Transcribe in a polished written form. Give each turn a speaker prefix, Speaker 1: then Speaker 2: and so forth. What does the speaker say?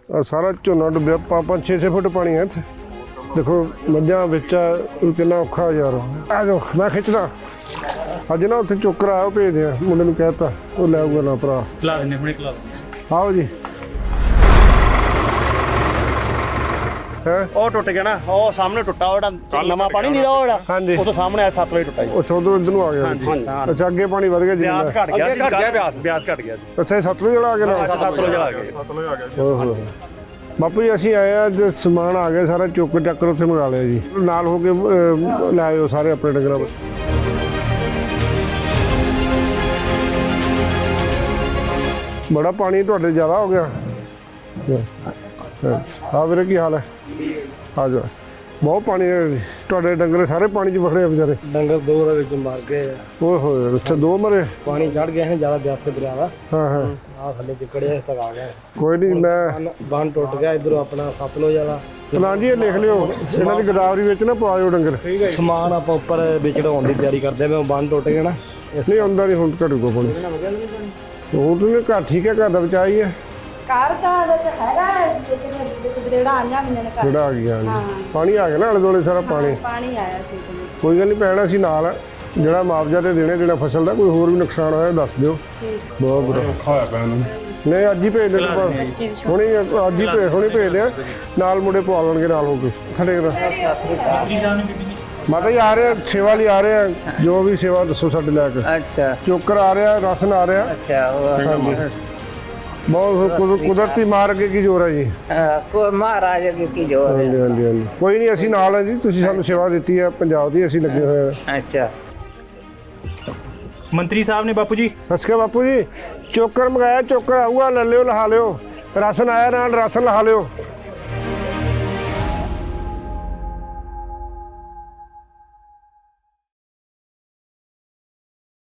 Speaker 1: ਸਾਰਾ ਝੋਨਾ ਡੁੱਬਿਆ 5-6 ਫੁੱਟ ਪਾਣੀ ਹੈ ਇੱਥੇ ਦੇਖੋ ਮੱਝਾਂ ਵਿੱਚ ਕਿੰਨਾ ਔਖਾ ਯਾਰ ਆ ਜਾਓ ਮੈਂ ਖਿੱਚਦਾ ਅੱਜ ਨਾ ਉੱਥੇ ਚੋਕਰ ਆਇਆ ਉਹ ਭੇਜਦੇ ਆ ਮੁੰਡੇ ਨੂੰ ਕਹਿਤਾ ਉਹ ਲੈ ਆਊਗਾ ਨਾ ਭਰਾ
Speaker 2: ਖਿਲਾ ਦਿੰਦੇ ਹੁਣੇ ਖਿਲਾ ਦਿੰਦੇ
Speaker 1: ਆਓ ਜੀ
Speaker 2: ਉਹ ਟੁੱਟ ਗਿਆ ਨਾ ਉਹ ਸਾਹਮਣੇ ਟੁੱਟਾ ਉਹ ਜਿਹੜਾ ਨਵਾਂ ਪਾਣੀ ਨਹੀਂ ਦਾ ਉਹ ਜਿਹੜਾ
Speaker 1: ਹਾਂਜੀ
Speaker 2: ਉਹ ਤੋਂ ਸਾਹਮਣੇ ਆ 7 ਵਜੇ ਟੁੱਟਾ ਜੀ
Speaker 1: ਉਹ ਚੌਧਰ ਇੱਧਰ ਨੂੰ ਆ ਗਿਆ ਅੱਛਾ ਅੱਗੇ ਪਾਣੀ ਵਧ ਗਿਆ ਜੀ
Speaker 2: ਬਿਆਸ ਘਟ ਗਿਆ ਬਿਆਸ ਘਟ ਗਿਆ ਜੀ
Speaker 1: ਅੱਛਾ ਸਤਲੁਜ ਵਾਲਾ ਆ ਗਿਆ ਨਾ
Speaker 2: ਸਤਲੁਜ ਆ ਗਿਆ
Speaker 1: ਓਹੋ ਬਾਪੂ ਜੀ ਅਸੀਂ ਆਏ ਆ ਜੋ ਸਮਾਨ ਆ ਗਿਆ ਸਾਰਾ ਚੁੱਕ ਚੱਕਰ ਉੱਥੇ ਮੰਗਾ ਲਿਆ ਜੀ ਨਾਲ ਹੋ ਕੇ ਲੈ ਆਇਓ ਸਾਰੇ ਆਪਣੇ ਡੰਗਰਾਂ ਬੜਾ ਪਾਣੀ ਤੁਹਾਡੇ ਜ਼ਿਆਦਾ ਹੋ ਗਿਆ ਆ ਵੀਰੇ ਕੀ ਹਾਲ ਹੈ ਆ ਜਾ ਬਹੁਤ ਪਾਣੀ ਹੈ ਤੁਹਾਡੇ ਡੰਗਰ ਸਾਰੇ ਪਾਣੀ 'ਚ ਵਖੜੇ ਆ ਵਿਚਾਰੇ
Speaker 3: ਡੰਗਰ ਦੋ ਦੇ ਵਿੱਚ ਮਰ ਗਏ
Speaker 1: ਓਏ ਹੋਏ ਅੱਛਾ ਦੋ ਮਰੇ
Speaker 3: ਪਾਣੀ ਚੜ ਗਿਆ ਹੈ ਜ਼ਿਆਦਾ ਬਿਆਸੇ ਦਰਿਆ ਦਾ
Speaker 1: ਹਾਂ ਹਾਂ
Speaker 3: ਆ ਥੱਲੇ ਚਿਕੜਿਆ ਇਸ ਤੱਕ ਆ ਗਿਆ
Speaker 1: ਕੋਈ ਨਹੀਂ ਮੈਂ
Speaker 3: ਬੰਨ ਟੁੱਟ ਗਿਆ ਇਧਰੋਂ ਆਪਣਾ ਸਤਲੁਜ ਵਾਲਾ
Speaker 1: ਨਾ ਜੀ ਇਹ ਲਿਖ ਲਿਓ ਇਹਨਾਂ ਦੀ ਗਦਾਵਰੀ ਵਿੱਚ ਨਾ ਪਾਇਓ ਡੰਗਰ
Speaker 3: ਸਮਾਨ ਆਪਾਂ ਉੱਪਰ ਵਿਚੜਾਉਣ ਦੀ ਤਿਆਰੀ ਕਰਦੇ ਮੈਂ ਬੰਨ ਟੁੱਟ ਗਿਆ ਨਾ
Speaker 1: ਨਹੀਂ ਆਉਂਦਾ ਨਹੀਂ ਹੁਣ ਘਟੂਗਾ ਪਾਣੀ ਹੁਣ ਤੂੰ ਘਰ ਠੀਕ ਹੈ ਘਰ ਦਾ ਬਚਾ ਹੀ ਹੈ
Speaker 4: ਕਾਰ ਦਾ ਹੈਗਾ ਜਿਹੜਾ ਆਂਦਾ ਮੈਨੇ ਘਰ
Speaker 1: ਜਿਹੜਾ ਆ ਗਿਆ ਪਾਣੀ ਆ ਗਿਆ ਨਾ ਆਲੇ ਦੁਆਲੇ ਸਾਰਾ ਪਾਣੀ
Speaker 4: ਪਾਣੀ ਆਇਆ ਸੀ
Speaker 1: ਕੋਈ ਗੱਲ ਨਹੀਂ ਪੈਣਾ ਸੀ ਨਾਲ ਜਿਹੜਾ ਮੁਆਵਜ਼ਾ ਤੇ ਦੇਣੇ ਜਿਹੜਾ ਫਸਲ ਦਾ ਕੋਈ ਹੋਰ ਵੀ ਨੁਕਸਾਨ ਹੋਇਆ ਦੱਸ ਦਿਓ ਬਹੁਤ ਬੁਰਾ ਔਖਾ ਹੋਇਆ ਪੈਣਾ ਨਹੀਂ ਅੱਜ ਹੀszੇਜ ਦੇ ਹੁਣੇ ਅੱਜ ਹੀ ਹੁਣੇ ਭੇਜਦੇ ਆ ਨਾਲ ਮੁੰਡੇ ਪਵਾ ਲੈਣਗੇ ਨਾਲ ਹੋ ਕੇ ਸਾਡੇ ਮਾਤਾ ਜੀ ਆ ਰਹੇ ਸੇਵਾ ਲਈ ਆ ਰਹੇ ਆ ਜੋ ਵੀ ਸੇਵਾ ਦੱਸੋ ਸਾਡੇ ਲੈ ਕੇ
Speaker 5: अच्छा
Speaker 1: ਚੋਕਰ ਆ ਰਿਹਾ ਰਾਸ਼ਨ ਆ ਰਿਹਾ
Speaker 5: अच्छा
Speaker 1: ਬਹੁਤ ਕੁਦਰਤੀ ਮਾਰ ਕੇ ਕੀ ਜ਼ੋਰ ਹੈ ਜੀ
Speaker 5: को महाराज की जो है
Speaker 1: ਹਾਂਜੀ ਹਾਂਜੀ ਹਾਂਜੀ ਕੋਈ ਨਹੀਂ ਅਸੀਂ ਨਾਲ ਹਾਂ ਜੀ ਤੁਸੀਂ ਸਾਨੂੰ ਸੇਵਾ ਦਿੱਤੀ ਹੈ ਪੰਜਾਬ ਦੀ ਅਸੀਂ ਲੱਗੇ ਹੋਏ ਹਾਂ
Speaker 5: अच्छा
Speaker 2: ਮੰਤਰੀ ਸਾਹਿਬ ਨੇ ਬਾਪੂ ਜੀ
Speaker 1: ਸਸਕੇ ਬਾਪੂ ਜੀ ਚੋਕਰ ਮੰਗਾਇਆ ਚੋਕਰ ਆਊਗਾ ਲੈ ਲਿਓ ਲਹਾ ਲਿਓ ਰਾਸ਼ਨ ਆਇਆ ਨਾਲ ਰਾਸ਼ਨ ਲਹਾ ਲਿਓ